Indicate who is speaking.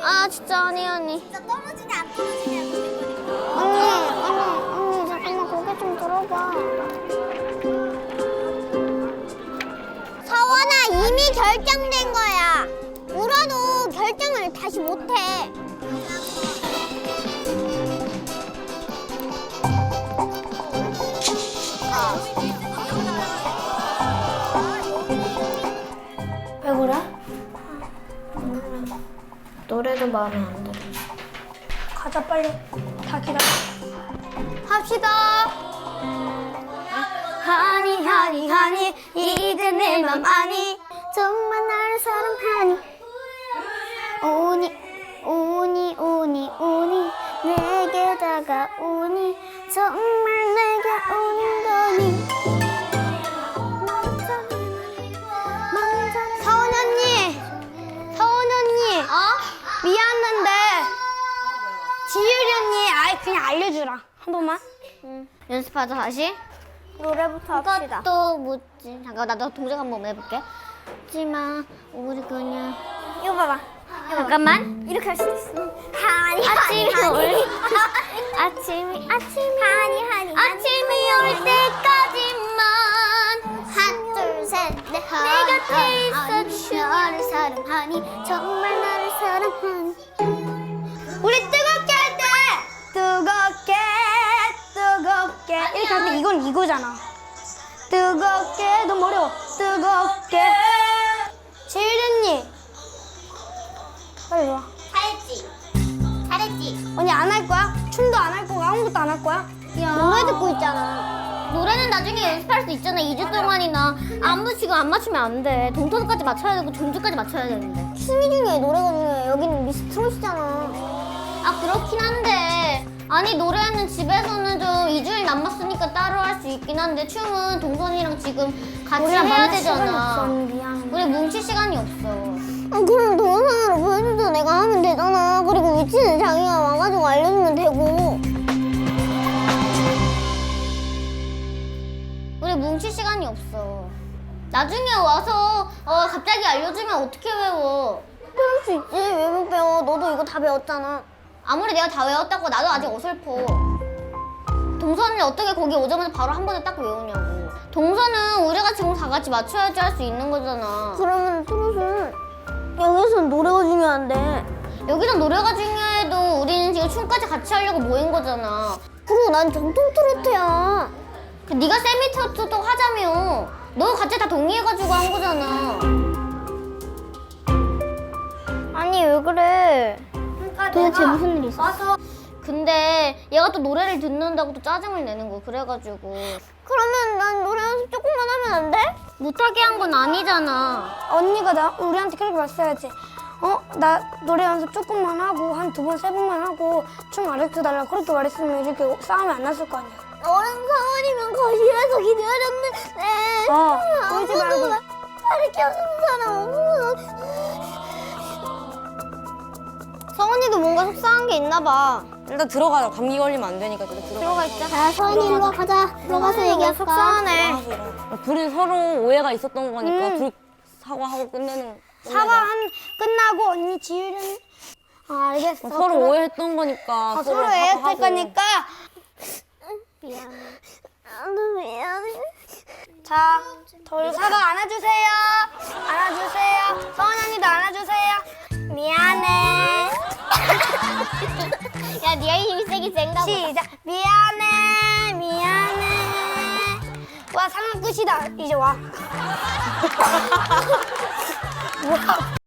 Speaker 1: 아 진짜 언니.
Speaker 2: 진짜 떨어지냐 안 떨어지냐
Speaker 1: 언니 잠깐만 고개 좀 들어봐. 서원아 이미 결정된 거야. 울어도 결정을 다시 못해. 왜 그래? 노래도 마음에 안 들어.
Speaker 3: 가자 빨리. 다 기다려.
Speaker 1: 합시다. 하니 이제 내 맘 아니 정말 나를 사랑하니 오니 내게 다가오니 정말 내게 오는 거니 서원 언니 미안한데 지율이 언니 아예 그냥 알려주라 한 번만. 연습하자 다시.
Speaker 2: 노래부터 합시다.
Speaker 1: 또 묻지. 잠깐 나도 동작 한번 해볼게. 묻지마 우리 그냥.
Speaker 2: 이거 봐봐.
Speaker 1: 잠깐만.
Speaker 2: 이렇게 할 수 있어. 하니
Speaker 1: 아침이 올
Speaker 2: 아침이
Speaker 1: 아침이 올 때까지만 하나 둘셋넷 내 곁에 있어 너를 사랑하니 정말 나를 사랑하니. 우리 뜨겁게 할 때 뜨겁게 이렇게 하는데 이건 이거잖아. 뜨겁게 너무 어려워. 뜨겁게. 지율이 언니 빨리 와. 잘했지. 언니 안 할 거야? 춤도 안 할 거고 아무것도 안 할 거야? 노래 듣고 있잖아. 노래는 나중에 연습할 수 있잖아. 2주 동안이나 안무 지금 안 맞추면 안 돼. 동터까지 맞춰야 되고 전주까지 맞춰야 되는데. 춤이 중요해 노래가 중요해. 여기는 미스 트롯이잖아. 아 그렇긴 한데 아니 노래는 집에서는 좀 2주일 남았으니까 따로 할 수 있긴 한데 춤은 동선이랑 지금 같이 해야 되잖아.
Speaker 3: 미안.
Speaker 1: 우리 뭉칠 시간이 없어. 그럼 동영상으로 보여줘도 내가 하면 되잖아. 그리고 위치는 자기가 와가지고 알려주면 되고. 우리 뭉칠 시간이 없어. 나중에 와서 갑자기 알려주면 어떻게 외워? 배울 수 있지. 왜 못 배워? 너도 이거 다 배웠잖아. 아무리 내가 다 외웠다고 나도 아직 어설퍼. 동선을 어떻게 거기 오자마자 바로 한 번에 딱 외우냐고. 동선은 우리가 지금 다 같이 맞춰야지 할 수 있는 거잖아. 그러면 트롯은 여기서는 노래가 중요한데. 여기서 노래가 중요해도 우리는 지금 춤까지 같이 하려고 모인 거잖아. 그리고 난 정통 트로트야. 네가 세미 트로트 하자며. 너 같이 다 동의해가지고 한 거잖아. 아니 왜 그래? 도대체 무슨 일 있어? 근데 얘가 또 노래를 듣는다고 또 짜증을 내는 거 그래가지고. 그러면 난 노래 연습 조금만 하면 안 돼? 못하게 한 건 아니잖아.
Speaker 3: 언니가 우리한테 그렇게 말했어야지. 나 노래 연습 조금만 하고 한 2번, 3번만 하고 춤 가르쳐달라 그렇게 말했으면 이렇게 싸움이 안 났을 거 아니야.
Speaker 1: 너랑 서원이면 거실에서 기다렸는데.
Speaker 3: 울지 말고.
Speaker 1: 가르쳐주는 사람 없어. 서원이도 뭔가 속상한 게 있나 봐.
Speaker 4: 일단 들어가자. 감기 걸리면 안 되니까 일단 들어가.
Speaker 1: 있자. 야 서원이 일로 와 가자. 들어가서 얘기할까? 속상하네.
Speaker 4: 둘이 서로 오해가 있었던 거니까 둘 사과하고 끝내는.
Speaker 3: 끝나고 언니 지율은 알겠어.
Speaker 4: 서로 오해했던 거니까.
Speaker 3: 서로 오해했을 거니까.
Speaker 1: 미안해. 나도 미안해.
Speaker 3: 자, 돌사가 안아주세요. 안아주세요. 서원 언니도 안아주세요. 미안해.
Speaker 1: 야, 네가 힘이 세긴 센가 보다.
Speaker 3: 시작. 미안해. 와, 상황 끝이다. 이제 와.